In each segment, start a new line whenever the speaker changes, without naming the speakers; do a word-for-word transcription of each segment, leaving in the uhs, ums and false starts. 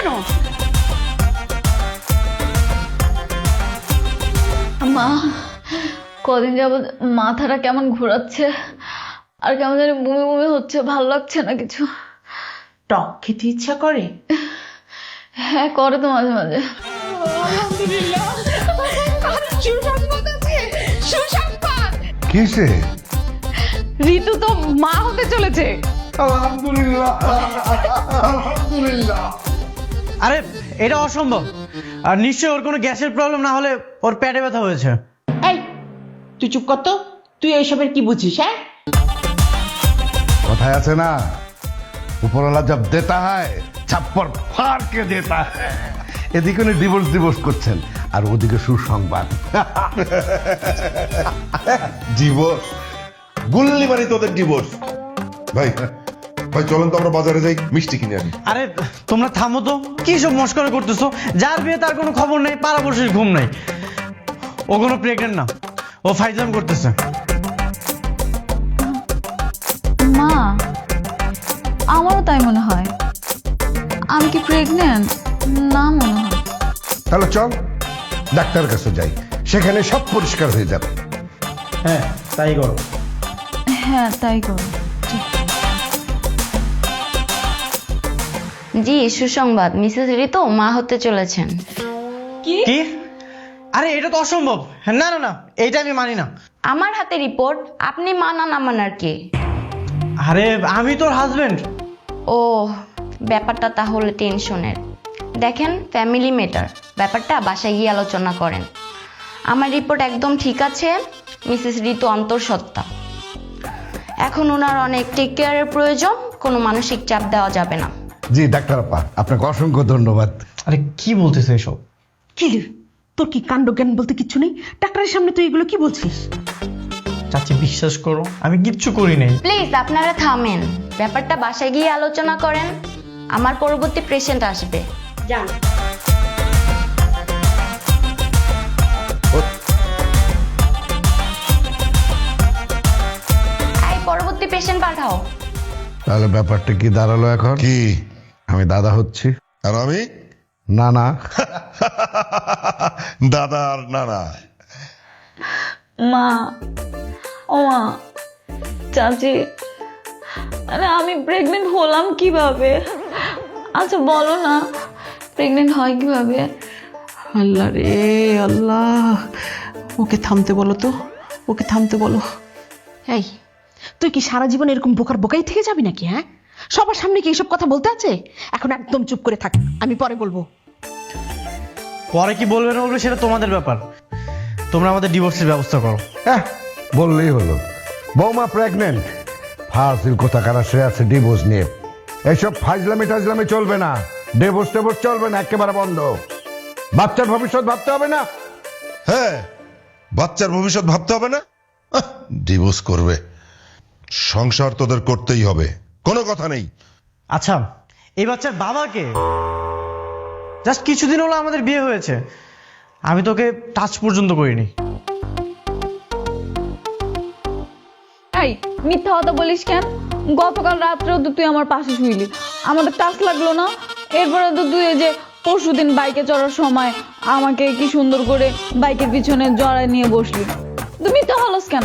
কেন?
মা, কদিন যাবত মাথাটা কেমন ঘোরাচ্ছে আর কেমন জানি বমি বমি হচ্ছে, ভালো লাগছে না কিছু।
টক খেতে ইচ্ছা করে?
হ্যাঁ, করে তো মাঝে মাঝে।
আলহামদুলিল্লাহ, সুসংবাদ আছে, সুসংবাদ।
কিসে?
ঋতু তো মা হতে চলেছে।
আলহামদুলিল্লাহ, আলহামদুলিল্লাহ।
আরে এটা অসম্ভব। আর নিশ্চয়ই ওর কোনো গ্যাসের প্রবলেম না হলে ওর পেটে ব্যথা হয়েছে।
এই তুই চুপ কর তো, তুই এইসবের কি বুঝিস? হ্যাঁ,
কথায় আছে না, উপরওয়ালা জব দেতা হয় ছাপ্পর ফাড় কে দেতা হয়। এদিকে উনি ডিভোর্স ডিভোর্স করছেন আর ওদিকে সুসংবাদ।
ডিভোর্স? গুল্লি মারি তোদের ডিভোর্স। ভাই ভাই চলেন তো আমরা বাজারে যাই, মিষ্টি কিনে আনি।
আরে তোমরা থামো তো, কি সব মস্করা করতেছো? যার বিয়ে তার কোনো খবর নেই, পাড়াপড়শির ঘুম নেই। ও কোনো প্রেগনেন্ট না, ও ফাইজলাম করতেছে।
মা, আমারও তাই মনে হয়। আমি কি প্রেগনেন্ট? না মনে হয়।
তাহলে চল ডাক্তারের কাছে যাই, সেখানে সব পরিষ্কার হয়ে যাবে।
হ্যাঁ তাই করো।
হ্যাঁ, তাই করো।
জি, সুসংবাদ, মিসেস ঋতু মা হতে চলেছেন।
কি? আরে এটা তো অসম্ভব। না না না, এইটা আমি মানি না।
আমার হাতে রিপোর্ট, আপনি মানা না মানার কে?
আরে আমি তোর হাজবেন্ড।
ও, ব্যাপারটা তাহলে টেনশনের। দেখেন, ফ্যামিলি ম্যাটার, ব্যাপারটা বাসায় গিয়ে আলোচনা করেন। আমার রিপোর্ট একদম ঠিক আছে, মিসেস ঋতু অন্তঃসত্ত্বা। এখন ওনার অনেক টেক কেয়ারের প্রয়োজন, কোনো মানসিক চাপ দেওয়া যাবে না।
জি ডাক্তার আপা, আপনাকে অসংখ্য ধন্যবাদ।
আরে কি বলতেছে এসব?
কি রে, তোর কি কাণ্ড জ্ঞান বলতে কিচ্ছু নেই? ডাক্তারের সামনে তুই এগুলো কি বলছিস?
চাচি বিশ্বাস করো, আমি কিচ্ছু করি নাই।
প্লিজ আপনারা থামেন, ব্যাপারটা বাসায় গিয়ে আলোচনা করেন। আমার পরবর্তী পেশেন্ট আসবে, যান। এই পরবর্তী পেশেন্ট পাঠাও।
তাহলে ব্যাপারটা কি দাঁড়ালো এখন?
কি?
আমি দাদা হচ্ছি?
আর আমি
না না।
দাদা আর নানা।
মা, ও মা, চাচি, আরে আমি প্রেগনেন্ট হলাম কিভাবে? আচ্ছা বলো না, প্রেগনেন্ট হয় কিভাবে?
আল্লাহ রে আল্লাহ, ওকে থামতে বলো তো, ওকে থামতে বলো। এই তুই কি সারা জীবন এরকম বোকার বোকাই থেকে যাবি নাকি? হ্যাঁ, সবার সামনে কি এইসব কথা বলতে আছে? এখন একদম চুপ করে থাক, আমি পরে বলবো।
পরে কি বলবে না বলবে সেটা তোমাদের ব্যাপার। তোমরা আমাদের ডিভোর্সের ব্যবস্থা করো।
হ্যাঁ বললেই হলো। বৌমা প্রেগনেন্ট, ফাজিল কোথাকার সে আছে ডিভোর্স নিয়ে। এইসব ফাজলামি টাজলামি চলবে না, ডিভোর্স টেভোর্স চলবে না, একেবারে বন্ধ। বাচ্চার ভবিষ্যৎ ভাবতে হবে না?
হ্যাঁ, বাচ্চার ভবিষ্যৎ ভাবতে হবে না? ডিভোর্স করবে, সংসার তোদের করতেই হবে, কোনো কথা নেই।
আচ্ছা, এই বাচ্চার বাবাকে? জাস্ট কিছুদিন হলো আমাদের বিয়ে হয়েছে, আমি তোকে টাচ পর্যন্ত করিনি।
এই মিথ্যা কথা বলিস কেন? গতকাল রাত্রেও তো তুই আমার পাশে শুইলি, আমাদের টাচ লাগলো না? এরপরে তো তুই এই যে পরশুদিন বাইকে চড়ার সময় আমাকে কি সুন্দর করে বাইকের পিছনে জড়ায় নিয়ে বসলি, তুই মিথ্যা বলস কেন?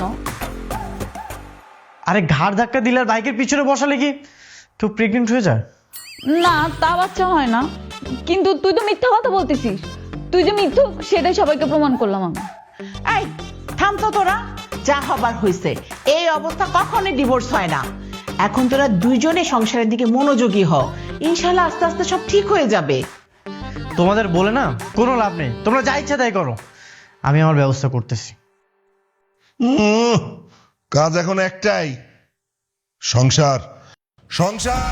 আরে ঘাড় ধাক্কা দিলে আর বাইকের পিছনে বসালে কি কেউ প্রেগনেন্ট হয়ে যায়?
না, তা বাচ্চা হয় না, কিন্তু তুই তো মিথ্যা কথা বলতেছিস। তুই যে মিথ্যুক সেটাই সবাইকে প্রমাণ করলাম আমি।
এই থাম তো তোরা, যা হবার হয়েছে। এই অবস্থা কখনোই ডিভোর্স হয় না। এখন তোরা দুইজনে সংসারের দিকে মনোযোগী হ, ইনশাল্লাহ আস্তে আস্তে সব ঠিক হয়ে যাবে।
তোমাদের বলে না কোনো লাভ নেই, তোমরা যা ইচ্ছা তাই করো, আমি আমার ব্যবস্থা করতেছি।
উম, কাজ এখন একটাই, সংসার সংসার।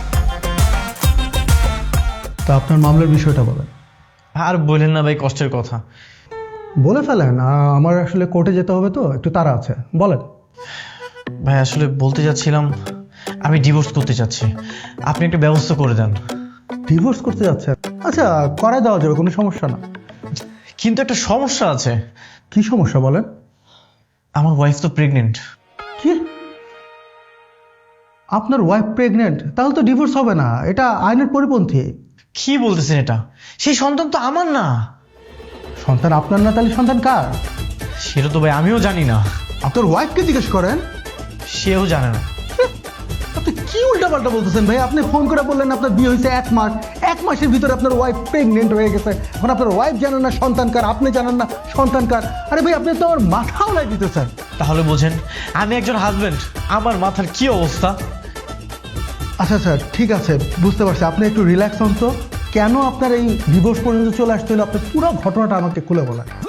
তা আপনার মামলার বিষয়টা বলেন।
আর বলেন না ভাই, কষ্টের কথা।
বলে ফেলেন, আ- আমার আসলে কোর্টে যেতে হবে তো, একটু তাড়া আছে, বলেন।
ভাই আসলে বলতে যাচ্ছিলাম, আমি ডিভোর্স করতে চাচ্ছি, আপনি একটা ব্যবস্থা করে দেন।
ডিভোর্স করতে যাচ্ছে? আচ্ছা, করাই দেওয়া যাবে, কোনো সমস্যা না।
কিন্তু একটা সমস্যা আছে।
কি সমস্যা বলেন?
আমার ওয়াইফ তো প্রেগনেন্ট।
কি? আপনার ওয়াইফ প্রেগনেন্ট? তাহলে তো ডিভোর্স হবে না, এটা আইনের পরিপন্থী।
কি বলতেছেন এটা? সেই সন্তান তো আমার না।
সন্তান আপনার না, তাহলে সন্তান কার?
সেটা তো ভাই আমিও জানি না,
আপনার ওয়াইফকে জিজ্ঞেস করেন।
সেও জানে না।
আপনি কি উল্টাপাল্টা বলতেছেন ভাই? আপনি ফোন করে বললেন আপনার বিয়ে হয়েছে এক মাস, এক মাসের ভিতরে আপনার ওয়াইফ প্রেগনেন্ট হয়ে গেছে। এখন আপনার ওয়াইফ জানেন না সন্তান কার, আপনি জানেন না সন্তান কার। আরে ভাই, আপনি তো আমার মাথা উড়াই দিতেছেন।
তাহলে বোঝেন আমি একজন হাজবেন্ড, আমার মাথার কি অবস্থা।
আচ্ছা স্যার, ঠিক আছে, বুঝতে পারছি। আপনি একটু রিল্যাক্স হন তো। কেন আপনার এই ডিভোর্স পর্যন্ত চলে আসতে হলো, আপনার পুরো ঘটনাটা আমাকে খুলে বলেন।